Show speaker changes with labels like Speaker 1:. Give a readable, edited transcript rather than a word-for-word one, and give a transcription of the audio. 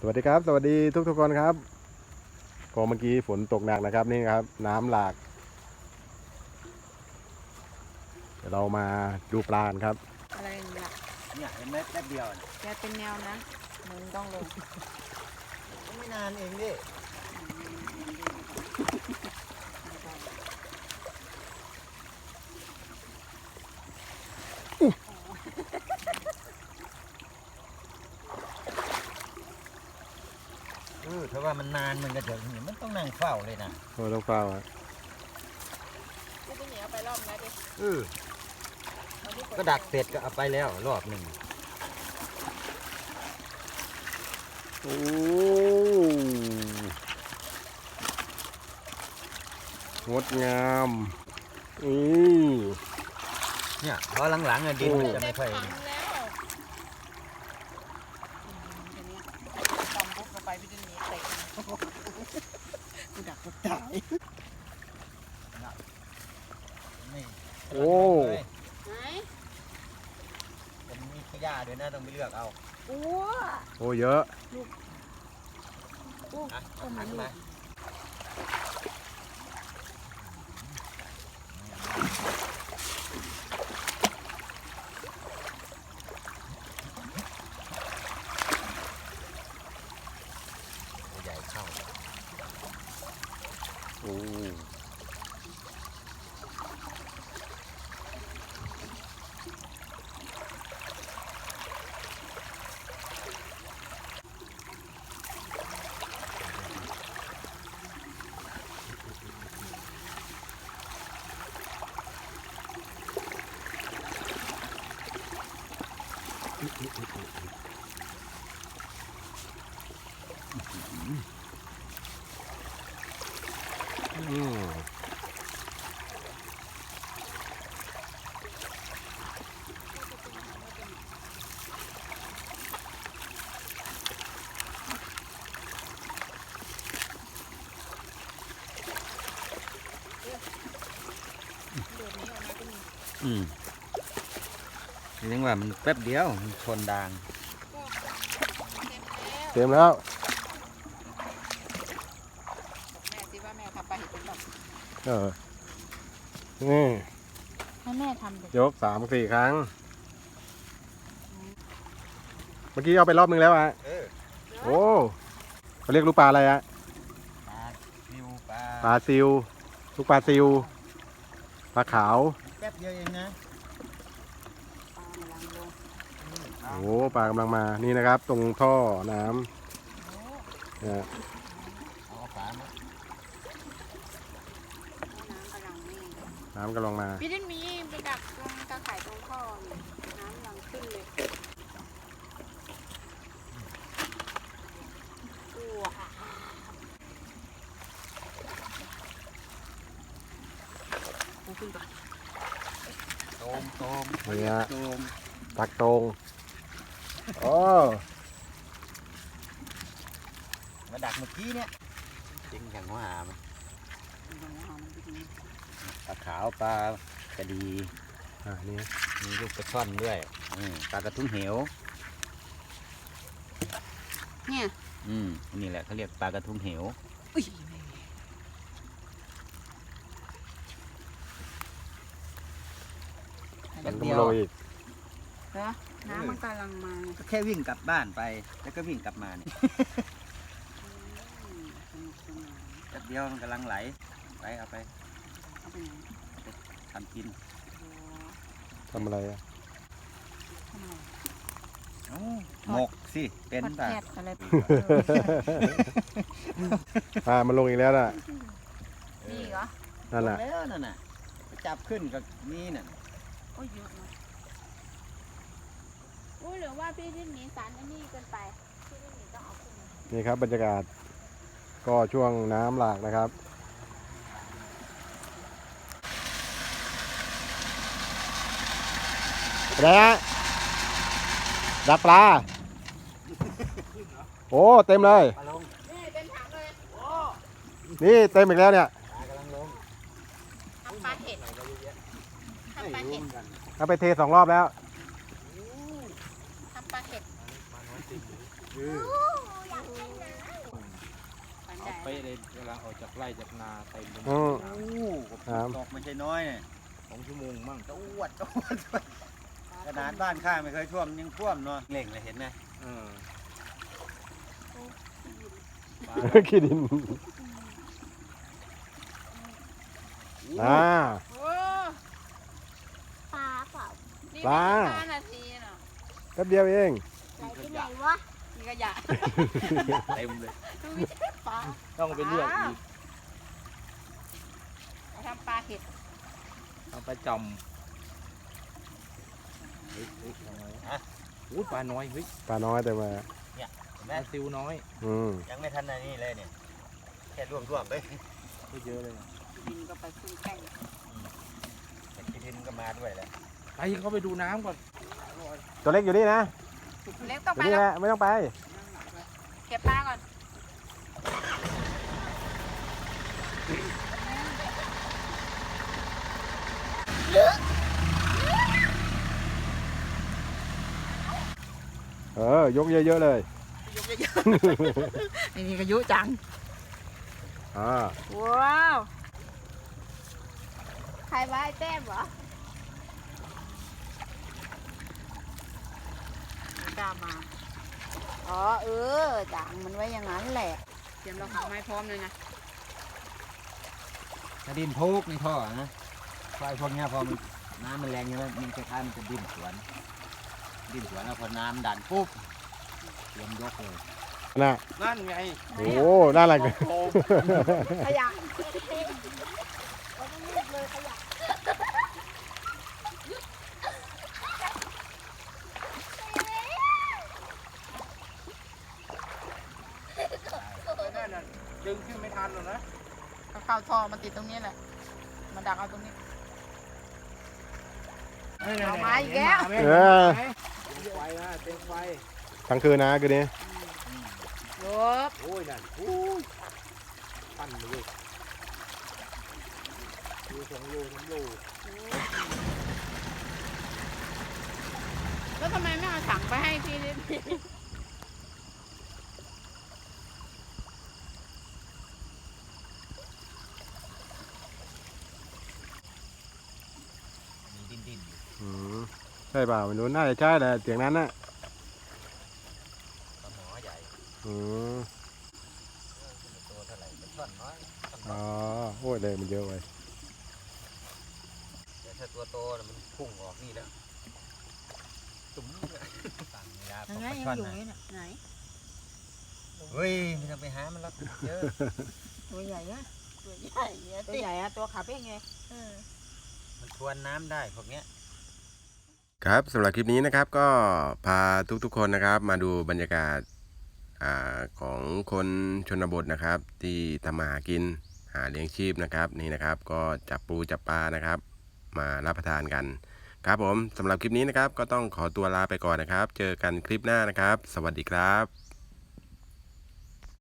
Speaker 1: สวัสดีครับสวัสดีทุกคนครับก็เมื่อกี้ฝนตกหนักนะครับนี่ครับน้ำหลากเดี๋ยวเรามาดูปลากันครับ
Speaker 2: อะไรอย่างเงี้ย
Speaker 3: เนี่ยเห็นไหมแป๊บเดียวนะ
Speaker 2: แกเป็นแนวนั้นมึงต้องลง
Speaker 3: ก็ไม่นานเองดิถ้าว่ามันนานมันก็จะมันต้องนั่งเฝ้าเลยนะ
Speaker 1: โอ้ต้องเฝ้าอ่ะ
Speaker 2: ที่พี่เหนียวไปรอบแล้วดิ
Speaker 3: ก็ดักเสร็จก็เอาไปแล้วรอบหนึ่ง
Speaker 1: โอ้งดงาม
Speaker 3: เนี่ยเพราะหลังๆดินมันจะไม่ค่อย
Speaker 2: แล้วทีนี้ตำปุ๊บลงไปพี่จะหนีเตะกูดักก็ตาย
Speaker 1: โอ้
Speaker 2: ไหน
Speaker 3: ผมมีขยะด้วยนะต้องไปเลือกเอา
Speaker 1: โอ้เยอะ
Speaker 3: หันมาใหญ่เข้า
Speaker 1: โอ้
Speaker 3: เรียกว่ามันแป๊บเดียวมันชนดาง
Speaker 1: เต็มแล้ว
Speaker 2: แม่คิดว่าแม่ทำปลาเห็ดเป็นแบบ
Speaker 1: นี่
Speaker 2: ให้แม่ทำเลย
Speaker 1: ยก3-4 ครั้งเมื่อกี้เอาไปรอบนึงแล้วอ่ะโอ้เขาเรียกลูกปลาอะไรอ่ะปลาซิวลูกปลาซิวปลาขาว
Speaker 3: แป๊บเดียวเองนะ
Speaker 1: โอ้ปลากำลังมานี่นะครับตรงท่อน้ำเนี่ยน้ำกำลังมา
Speaker 2: พี่ดินมีไปดักตรงตะข่ายตรงท่อนี่น้ำยังขึ้นเลยขึ้นก่อน
Speaker 3: โตม
Speaker 1: เนี่ยตักตรงโอ้
Speaker 3: มาดักเมื่อกี้เนี่ยจริงอย่างว่ามันปลาขาวปลากระดี
Speaker 1: นี่
Speaker 3: มีลูกกระช่อนด้วยปลากระทุ้งเหว
Speaker 2: เนี่ย
Speaker 3: นี่แหละเขาเรียกปลากระทุ้งเหว
Speaker 1: มันก็มาลงอีก
Speaker 2: น้ำมันกำลังมา
Speaker 3: ก็แค่วิ่งกลับบ้านไปแล้วก็วิ่งกลับมาเนี่ยแป๊บเดียวมันกำลังไหลไปเอาไปทำกิน
Speaker 1: ทำอะไรอ่ะ
Speaker 3: หมกสิเป็นแบบ
Speaker 1: มันลงอีกแล้วน่ะ
Speaker 2: นี่เหรอ
Speaker 1: นั่นแหละ
Speaker 3: แล้วนั่นน่ะจับขึ้นกับนี่น่ะ
Speaker 2: โอ้ยเยอะนะหรือว่าพี่ที่หนีสารอันนี้เกินไปพี่ที่หนีต้องเอาขึ้น
Speaker 1: นี่ครับบรรยากาศก็ช่วงน้ำหลากนะครับอะไรฮะดักปลาโอ้เต็มเลย
Speaker 2: นี่เต็มถังเลย
Speaker 1: นี่เต็มอีกแล้วเนี่ย
Speaker 2: ทำปลาเห็ดทำปลาเห็ด
Speaker 1: เอาไปเท2 รอบแล้ว
Speaker 2: ทำปลาเห็ด
Speaker 3: ไปเลยเวลาออกจากไร่จากนาเต็มเลย
Speaker 1: อืม
Speaker 3: น้
Speaker 4: โอ้ตกไม่ใช่น้อยเนี่ย
Speaker 3: ำ2 ชั่วโมงมั่ง
Speaker 4: ตะอวดขนาดบ้านข้าไม่เคยท่วมยังท่วมเนาะเล่งเลยเห็นไหม
Speaker 3: เออ
Speaker 1: ขี้ดินอ่า
Speaker 2: โอ้
Speaker 5: ปลาเปล่า
Speaker 2: นี่
Speaker 1: ปลา
Speaker 2: ไม่5 นาทีเนาะ
Speaker 1: แป๊บเดียวเอง
Speaker 5: ไหลไปไหนวะ
Speaker 2: มีขยะ
Speaker 3: เต็มเลย
Speaker 2: ดูไม่ใช่ปลา
Speaker 3: ต้องไปเลือกอีก
Speaker 2: เอาทำปลาเห็ด
Speaker 3: เอาไปจำเฮ้ยทำไงฮะอู้ปลาน้อยเฮ้ย
Speaker 1: ปลาน้อยแต่มา
Speaker 4: เห็น
Speaker 3: ป
Speaker 4: ไหม
Speaker 3: ลาซิวน้อย
Speaker 1: อืม
Speaker 4: ยังไม่ทันในนี่เลยเนี่ยแค่ร่วมๆเลย
Speaker 3: ก็เยอะเลยนะ
Speaker 2: ดินก็ไปขึ้นแก้ง
Speaker 4: แต่กินดินก็มาด้วยแหละ
Speaker 3: ไปเขาไปดูน้ำก่อน
Speaker 1: ตัวเล็กอยู่นี่นะ
Speaker 2: เล็กต้อง
Speaker 1: อยู่
Speaker 2: ไป
Speaker 1: นี่
Speaker 2: แล้ว
Speaker 1: แหละไม่ต้องไป
Speaker 2: เก็บปลาก่อน
Speaker 1: ยกเยอะๆเลย
Speaker 2: ยกเยอะๆ นี่ก็ยุจัง
Speaker 1: อ่า
Speaker 2: ว้าว
Speaker 5: ใครว่าไอ้แต้มเหรอ
Speaker 2: ไม่กล้ามา
Speaker 5: อ๋อจังมันไว้อย่างนั้นแหละ
Speaker 2: เตรียมเราหาไม้พร้อมเลยนะ
Speaker 4: ถ้าดินพุกในท่อนะไฟพวกเนี้ยพอมันน้ำมันแรงใช่ไหมมันคล้ายๆมันจะดิ้นสวนแล้วพอน้ำดันปุ๊บเตรียมยกเลย
Speaker 1: น่ะ
Speaker 3: นั่นไง
Speaker 1: โอ้น่ารักเลย
Speaker 3: โอ้
Speaker 2: ขยะ
Speaker 5: เราต้องรีบเลยขยะ
Speaker 3: นั่นน่ะดึงขึ้นไม่ทันหรอกนะ
Speaker 2: ก็เข้าท่อมาติดตรงนี้แหละ มาดักเอาตรงนี้ เอาไม้อีกแล้ว
Speaker 1: เออ
Speaker 3: เต็มไฟนะเต็มไฟ
Speaker 1: ทั้งคืนนะคืนนี้
Speaker 2: ลบ
Speaker 3: โอ้ยนั่นโอ้ยปั้นเลยดู2 โล 3 โล
Speaker 2: แล้วทำไมไม่เอาถังไปให้พี่นิด
Speaker 4: มีดิ้นอยู่
Speaker 1: อืมใช่เปล่าไม่รู้น่าจะใช่แหละเสียงนั้นน่ะ
Speaker 4: ปลาหมอใหญ่
Speaker 1: อืม
Speaker 4: ตัวเท่าไหร่เป็นท่อนน้อย
Speaker 1: อ๋อโอ้ยเลยมันเยอะไป
Speaker 4: แต่ถ้าตัวโตน่ะมันพุ่งออกนี่แล้วจุ๋มเลยต่างเวลา
Speaker 2: ยัง
Speaker 4: ป
Speaker 2: ไง
Speaker 4: ลา
Speaker 2: ยัง
Speaker 4: ช่อน
Speaker 2: อยู่
Speaker 4: นะ
Speaker 2: นี่ไหน
Speaker 4: เฮ้ยไม่ต้องไปหามันแล้วเยอะ
Speaker 2: ตัวใหญ่อะ
Speaker 5: ตัวใหญ่เนี่ย
Speaker 2: ตัวใหญ่อะตัวขาเป้งไง
Speaker 4: มันทวนน้ำได้พวกเนี้ย
Speaker 1: ครับสำหรับคลิปนี้นะครับก็พาทุกๆคนนะครับมาดูบรรยากาศของคนชนบทนะครับที่ทำมาหากินหาเลี้ยงชีพนะครับนี่นะครับก็จับปูจับปลานะครับมารับประทานกันครับผมสำหรับคลิปนี้นะครับก็ต้องขอตัวลาไปก่อนนะครับ เจอกันคลิปหน้านะครับ สวัสดีครับ